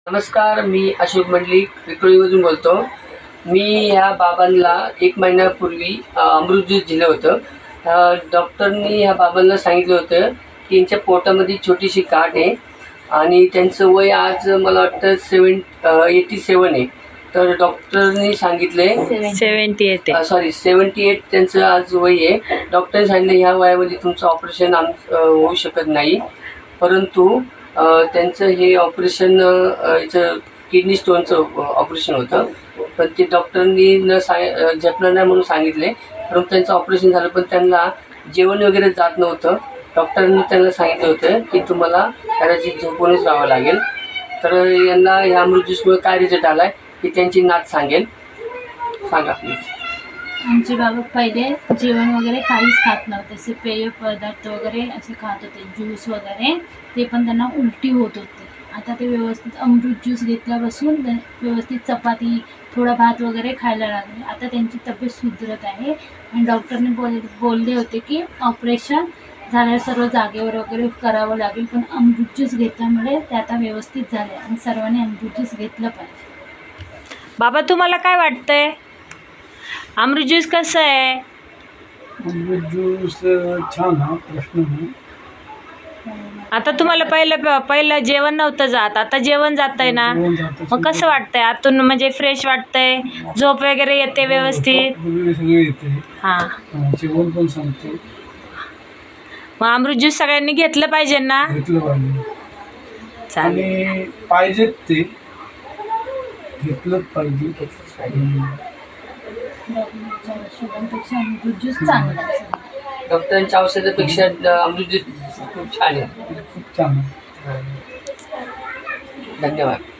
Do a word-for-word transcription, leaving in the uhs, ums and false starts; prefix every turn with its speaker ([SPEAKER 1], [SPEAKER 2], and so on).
[SPEAKER 1] नमस्कार, मी अशोक मंडलिक विक्रोळीमधून बोलतो। मी ह्या बाबांना एक महिन्यापूर्वी अमृत ज्यूस दिलं होतं। डॉक्टरनी ह्या बाबांना सांगितलं होतं की यांच्या पोटामध्ये छोटीशी गाठ आहे आणि त्यांचं वय आज मला वाटतं सेवन एटी सेवन आहे। तर डॉक्टरनी सांगितले
[SPEAKER 2] seventy eight
[SPEAKER 1] sorry seventy eight त्यांचं आज वय आहे। डॉक्टरने सांगितलं ह्या वयामध्ये तुमचं ऑपरेशन आम होऊ शकत नाही, परंतु त्यांचं हे ऑपरेशन याचं किडनी स्टोनचं ऑपरेशन होतं, पण ते डॉक्टरांनी न सांग झेपणार नाही म्हणून सांगितले। परंतु त्यांचं ऑपरेशन झालं, पण त्यांना जेवण वगैरे जात नव्हतं। डॉक्टरांनी त्यांना सांगितलं होतं की तुम्हाला कदाचित झोपूनच राहावं लागेल। तर यांना ह्या अमृत ज्यूसमुळे काय रिझल्ट आला आहे की त्यांची नात सांगेल, सांगा प्लीज।
[SPEAKER 3] आमचे बाबा पहिले जेवण वगैरे काहीच खात नव्हते, असे पेय पदार्थ वगैरे असे खात होते, ज्यूस वगैरे, ते पण त्यांना उलटी होत होती। आता ते व्यवस्थित अमृत ज्यूस घेतल्यापासून व्यवस्थित चपाती, थोडा भात वगैरे खायला लागले। आता त्यांची तब्येत सुधरत आहे आणि डॉक्टरने बोल बोलले होते की ऑपरेशन झाल्यावर सर्व जागेवर वगैरे करावं लागेल, पण अमृत ज्यूस घेतल्यामुळे ते आता व्यवस्थित झाले आणि सर्वांनी अमृत ज्यूस घेतलं पाहिजे।
[SPEAKER 2] बाबा, तुम्हाला काय वाटतंय? अमृत ज्यूस कसं आहे?
[SPEAKER 4] अमृत ज्यूस छान हा प्रश्न नाही।
[SPEAKER 2] आता तुम्हाला पहिलं पहिलं जेवण नव्हतं जात, आता जेवण जात आहे ना, मग कसं वाटतंय? आतून म्हणजे फ्रेश वाटतंय, झोप वगैरे येते व्यवस्थित?
[SPEAKER 4] सगळे येते,
[SPEAKER 2] हां,
[SPEAKER 4] जेवण पण सांगते।
[SPEAKER 2] मग अमृत ज्यूस सगळ्यांनी घेतलं पाहिजे ना?
[SPEAKER 4] घेतलं पाहिजे,
[SPEAKER 2] चालेल,
[SPEAKER 4] आणि पाहिजेत ते घेतलंच पाहिजे।
[SPEAKER 3] शुगरपेक्षा अमृत ज्यूस चांगला आहे।
[SPEAKER 1] डॉक्टरांच्या औषधापेक्षा अमृत ज्यूस खूप छान आहे,
[SPEAKER 4] खूप छान आहे।
[SPEAKER 1] धन्यवाद।